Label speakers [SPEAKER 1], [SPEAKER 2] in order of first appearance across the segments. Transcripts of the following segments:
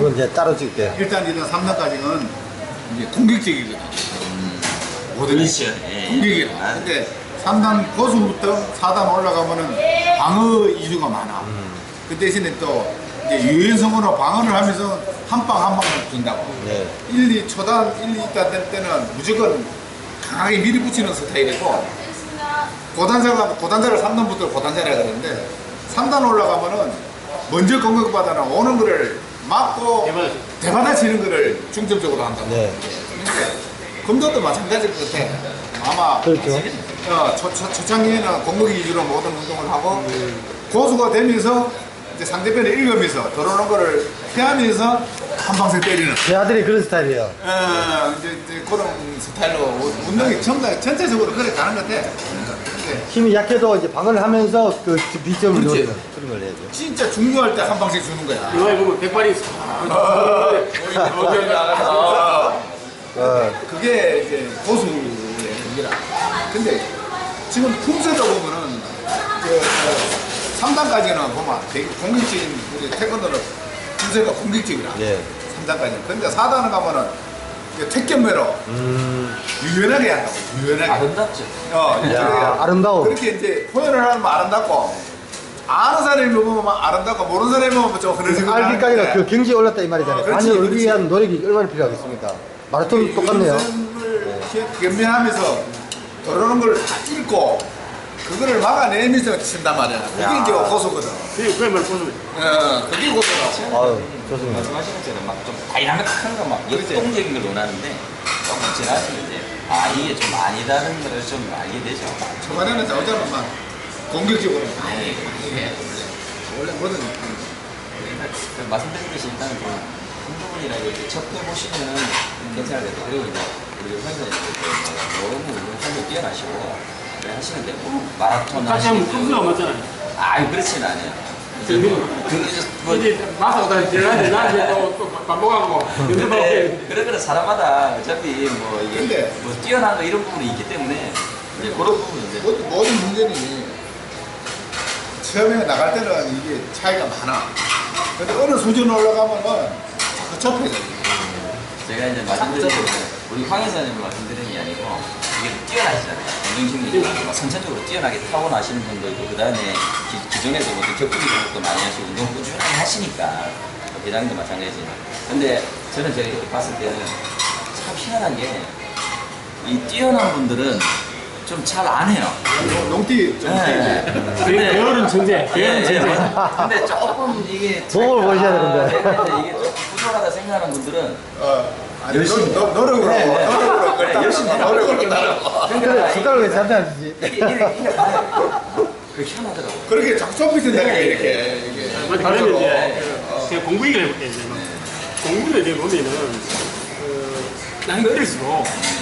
[SPEAKER 1] 그건 이제 따로 찍게.
[SPEAKER 2] 일단 3단까지는 이제 공격적이거든.
[SPEAKER 3] 그렇죠.
[SPEAKER 2] 공격이야. 근데 3단 고수부터 4단 올라가면은 방어 이슈가 많아. 그 대신에 또 이제 유연성으로 방어를 하면서 한 방 한 방을 준다고.
[SPEAKER 1] 네.
[SPEAKER 2] 초단 1, 2단 될 때는 무조건 강하게 밀어붙이는 스타일이고, 고단자를 3단부터 고단자라 그러는데, 3단 올라가면은 먼저 공격받아는 오는 거를 막고 대받아치는 거를 중점적으로 한다고.
[SPEAKER 1] 네.
[SPEAKER 2] 검도도 마찬가지일 것 같아. 아마
[SPEAKER 1] 그렇죠.
[SPEAKER 2] 초창기에는 공격 위주로 모든 운동을 하고, 고수가 되면서 이제 상대편을 읽으면서 들어오는 거를 피하면서 한 방씩 때리는.
[SPEAKER 1] 제 아들이 그런 스타일이에요.
[SPEAKER 2] 이제 그런 스타일로 운동이 전체적으로 그래 가는 것 같아. 근데
[SPEAKER 1] 힘이 약해도 이제 방어를 하면서 그 비점을
[SPEAKER 2] 그렇지.
[SPEAKER 1] 노리는 그런 걸 해야죠.
[SPEAKER 2] 진짜 중요할 때 한 방씩 주는 거야.
[SPEAKER 4] 이거에 보면 백발이 있어.
[SPEAKER 2] 그게 이제 고수의 경기라. 근데 지금 품새도 보면은 3단까지는 보면 되게 공격적인, 우리 태권도는 품새가 공격적이라.
[SPEAKER 1] 네.
[SPEAKER 2] 3단까지는. 근데 4단을 가면은 택견매로 유연하게 한다고. 유연하게.
[SPEAKER 3] 아름답죠.
[SPEAKER 1] 야, 아름다워.
[SPEAKER 2] 그렇게 이제 표현을 하면 아름답고, 아는 사람이 보면 아름답고, 모르는 사람이 보면 좀 그런
[SPEAKER 1] 알기까지는 그 경지에 올랐다 이 말이잖아요.
[SPEAKER 2] 그렇지,
[SPEAKER 1] 아니,
[SPEAKER 2] 그렇지.
[SPEAKER 1] 여기 위한 노력이 얼마나 필요하겠습니까? 마라톤 똑같네요.
[SPEAKER 2] 겸비하면서 들어오는 걸 다 읽고, 그거를 막아내면서 친단 말이야. 그게 이제 고소거든.
[SPEAKER 4] 그게 말 고수.
[SPEAKER 2] 그게 고소라고.
[SPEAKER 1] 아유, 좋습니다.
[SPEAKER 3] 말씀하신 것처럼 막 좀 다이나믹한 거 막 역동적인 걸 원하는데 조금 지나서 이제 이게 좀 아니다는 걸 좀 알게 되죠.
[SPEAKER 2] 초반에는 나오자면 막 공격적으로 많이 해. 원래 뭐든.
[SPEAKER 3] 말씀드렸듯이 일단은 좀 운동이나 이렇게 접해보시면 괜찮을 것 같아요. 그리고 이제 우리 선생님 너무 운동성이 뛰어나시고 하시는데 마라톤
[SPEAKER 4] 같이 하면 점수가 맞잖아요.
[SPEAKER 3] 그렇진 않아요.
[SPEAKER 4] 이제 마사오다 지나는데 나한테 또 반복하고 연습하고.
[SPEAKER 3] 그러면 사람마다 어차피 뭐 이게
[SPEAKER 2] 근데
[SPEAKER 3] 뭐 뛰어난 거 이런 부분이 있기 때문에 이제 그런 부분 이제
[SPEAKER 2] 모든 문제는 처음에 나갈 때는 이게 차이가 많아. 근데 어느 수준 올라가면은 자꾸 접해져.
[SPEAKER 3] 제가 이제 말씀드린 우리 황 회사님을 말씀드리는 게 아니고 이게 뛰어나시잖아요. 운동신경이 막 선천적으로 뛰어나게 타고나시는 분도 있고, 그 다음에 기존에도 뭐 격투기 공부도 많이 하시고 운동 꾸준하게 하시니까 회장님도 마찬가지지만, 근데 저는 제가 이렇게 봤을 때는 참 희한한 게 이 뛰어난 분들은 좀 잘 안 해요.
[SPEAKER 2] 농띠 좀
[SPEAKER 4] 게으른 천재. 게으른 천재.
[SPEAKER 3] 근데 조금 이게
[SPEAKER 1] 도움을 보셔야 되는데.
[SPEAKER 3] 이게 좀 부족하다 생각하는 분들은
[SPEAKER 2] 열심히 노력으로
[SPEAKER 3] 그래, 열심히
[SPEAKER 2] 노력으로 따르고.
[SPEAKER 1] 그래, 숟가락을 왜 저한테 안 주지?
[SPEAKER 3] 이게 그 희한하더라고요.
[SPEAKER 2] 그렇게 자꾸 접히신다니까 이렇게 이게.
[SPEAKER 4] 다르면 이제 제가 공부 얘기를 해볼게요. 이제 공부를 이제 보면은 나는 어릴수록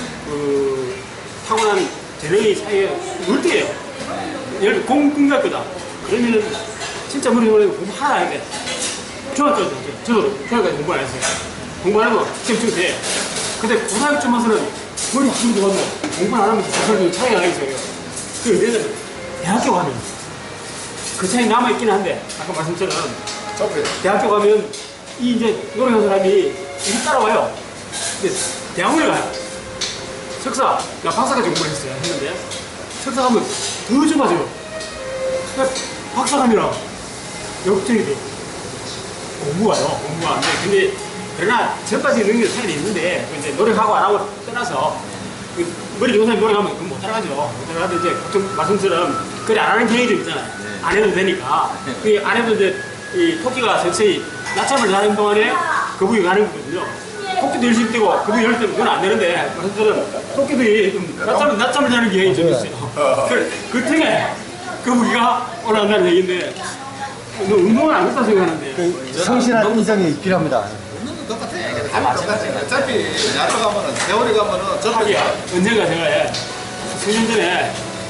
[SPEAKER 4] 타고난 재능이 사이에 물대예요. 예를 들어 공군학교다. 그러면은 진짜 머리 공부 하나 해야 돼. 중학교 때 저도 중학교까지 공부 안 했어요. 공부 안 하고 시험 돼. 근데 고등학교 와서는 머리 힘도 좋고 공부 안 하면 그 차이가 나겠어요. 그래서 대학교 가면 그 차이 남아있긴 한데, 아까 말씀처럼 대학교 가면 이 이제 노력한 사람이 이렇게 따라와요. 근데 대학원에 가요. 석사, 나 박사까지 공부를 했는데 석사 가면 더 좁아져요. 박사 가면 역전이 돼. 공부가요. 공부가 안 돼. 근데 그러나 저까지 능력 차이는 있는데 이제 노력하고 안 하고 떠나서 머리 좋은 사람이 노력하면 그건 못 따라가죠. 못 따라가도 이제 보통 말씀처럼 그래 안 하는 경향이 좀 있잖아요. 안 해도 되니까. 그 안 해도 이제 이 토끼가 서서히 낮잠을 자는 동안에 거북이 가는 거거든요. 토끼도 열심히 뛰고 거북이 열심히 뛰면 그건 안 되는데 말씀처럼 토끼들이 좀 낮잠을 자는 경향이 좀 있어요. 그 틈에 거북이가 올라간다는 얘기인데 너 운동을 안 했다 생각하는데
[SPEAKER 1] 성실한 인성이 필요합니다.
[SPEAKER 2] 운동도 똑같아. 다 마찬가지야. 어차피 야구 가면은 세월이 가면은
[SPEAKER 4] 하기야. 언젠가 제가 수년 전에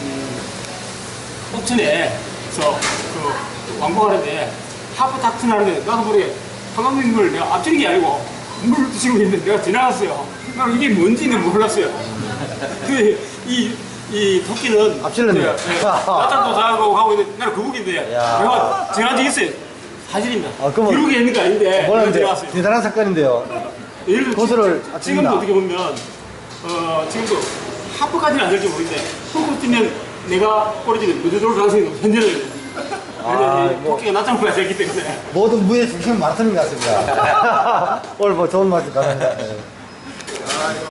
[SPEAKER 4] 옥천에서 그 왕복하는데 하프 탁튼 하는데 나도 모르게 한강민물 내가 앞지는 게 아니고 물 드시고 있는데 내가 지나갔어요. 나는 이게 뭔지는 몰랐어요. 이 토끼는
[SPEAKER 1] 앞질렀네.
[SPEAKER 4] 낮잠도 자고 가고 있는데 나는 거북인데 내가 지나간 적 있어요. 사실입니다.
[SPEAKER 1] 아, 그러면-
[SPEAKER 4] 기록에 있는 거 아닌데 제가
[SPEAKER 1] 뭐라는데
[SPEAKER 4] 들어왔어요.
[SPEAKER 1] 대단한 사건인데요.
[SPEAKER 4] 예를 들어
[SPEAKER 1] 고소를
[SPEAKER 4] 지금도
[SPEAKER 1] 아칩니다.
[SPEAKER 4] 어떻게 보면 지금도 하프까지는 안 될지 모르겠는데 홈으로 뛰면 내가 꼬리지면 무조건 돌 가능성이 높 현재는 왜냐면
[SPEAKER 1] 뭐.
[SPEAKER 4] 토끼가 낮장부가 되기 때문에
[SPEAKER 1] 모든 무의 중심은 마라톤인 것 같습니다. 오늘 뭐 좋은 말씀 감사합니다. 네.